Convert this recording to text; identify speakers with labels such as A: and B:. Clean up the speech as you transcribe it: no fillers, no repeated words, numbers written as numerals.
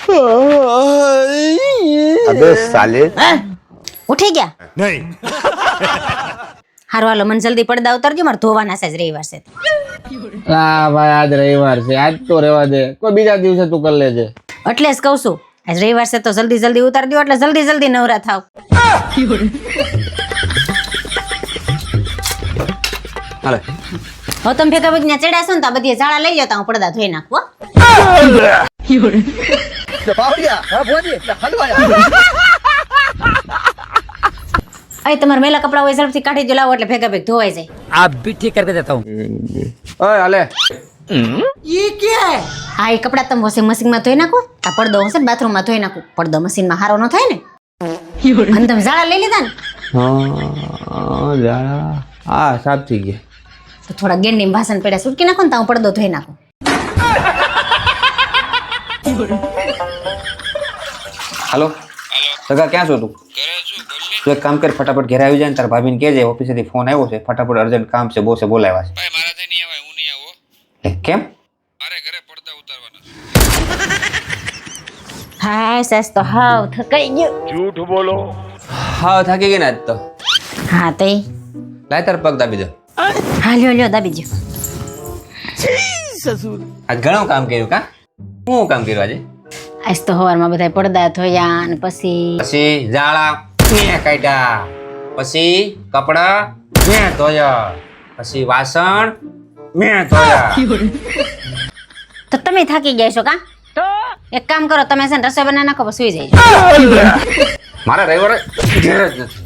A: अबे साले
B: ઉઠી ગયા
C: नहीं
B: હારું હાલો મને જલ્દી પડદા ઉતારજો મારે ધોવાના છે જ રવિવાર છે
D: હા ભાઈ આજ રવિવાર છે, આજ તો રહેવા દે, કોઈ બીજા દિવસે તું કરી લેજે.
B: એટલે જ કહું છું આજ રવિવાર છે તો જલ્દી જલ્દી ઉતારી દો એટલે જલ્દી જલ્દી નવરા થાવ.
A: હાલે
B: હો તમે ભેગા ભેગા ચડ્યા છો ને તો આ બધી ઝાડા લઈ લો તો હું પડદા ધોઈ નાખું હો. અહીં તમારા મેલા કપડા હોય ઝડપથી કાઢી દો, લાવો એટલે ભેગા ભેગ ધોવાઈ જાય.
E: आप भी ठीक करके देता हूँ.
D: ઓય હાલે.
B: હા એ કપડા તમે વોશિંગ મશીનમાં ધોઈ નાખો. આ પડદો હશે ને બાથરૂમમાં ધોઈ નાખું. પડદો મશીનમાં હારો ન થાય ને. અને તમે ઝાડા લઈ લીધા ને
D: હા જાડા હા સાફ થઈ ગયા.
B: તો થોડા ગેંડી ભાષણ પડ્યા સુટકી નાખો ને તો હું પડદો ધોઈ નાખું.
A: હાલો સગા ક્યાં છો તું? તું એક કામ કર, ફટાફટ ઘરે આવી જાય ને તાર ભાભીને કહેજે ઓફિસેથી ફોન આવ્યો છે, ફટાફટ અર્જન્ટ કામ છે, બોસે બોલાવ્યા છે.
F: ભાઈ મારાથી નહીં આવે, હું નહીં આવો.
A: કેમ?
F: મારે ઘરે પડદા ઉતારવાના છે.
B: હા સાસ તો હાવ થકાઈ ગયો.
A: હા થાકી ગઈ ને આજ તો.
B: હા તે
A: લાય તાર પગ દાબી દે.
B: હા લ્યો દાબી જો.
A: આજ ઘણું કામ કર્યું કા? શું કામ કર્યું આજે?
B: આજ તો સવારમાં બધા પડદા ધોયા અને પછી
A: પછી ઝાડા મેં કાઢ્યા, પછી કપડા મેં ધોયા, પછી વાસણ મેં ધોયા.
B: તો તમે થાકી ગયા છો કા? એક કામ કરો તમે છે ને રસોઈ બનાવી નાખો પછી સુઈ જાય.
A: મારા રવિવારે ઘેર જ નથી.